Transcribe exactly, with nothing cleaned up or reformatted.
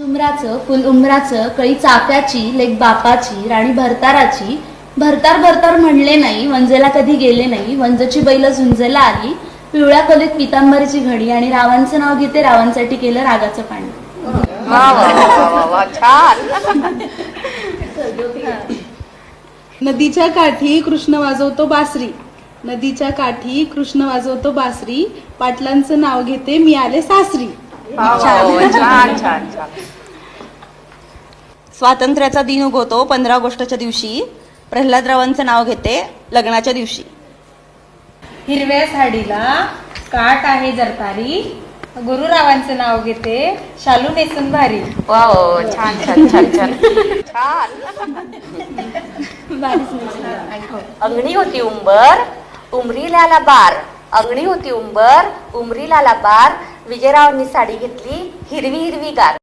उमराचं फुल उमराचं कळी चाफ्याची लेक बापाची राणी भरताराची भरतार भरतार म्हणले नाही वंजेला कधी गेले नाही वंजची बैल झुंजेला आली पिवळ्या कलीत पितांबरीची घडी आणि रावांचं नाव घेते रावांसाठी केलं रागाचं पाणी. वा वा वा वा वा छान. नदीच्या काठी कृष्ण वाजवतो बासरी नदीच्या काठी कृष्ण वाजवतो बासरी पाटलांचं नाव घेते मी आले सासरी. छान छान छान. स्वातंत्र्याचा दिन उगवतो पंधरा ऑगस्टच्या दिवशी प्रल्हादरावांचं नाव घेते लग्नाच्या दिवशी. हिरव्या साडीला काट आहे जरतारी गुरुरावांचं नाव घेते शालू नेसून भारी. वा वा छान छान छान छान छान. अंगणी होती उंबर उमरीला आला बार अंगणी होती उंबर उमरीला आला बार विजयरावांनी साडी घेतली हिरवी हिरवी गार.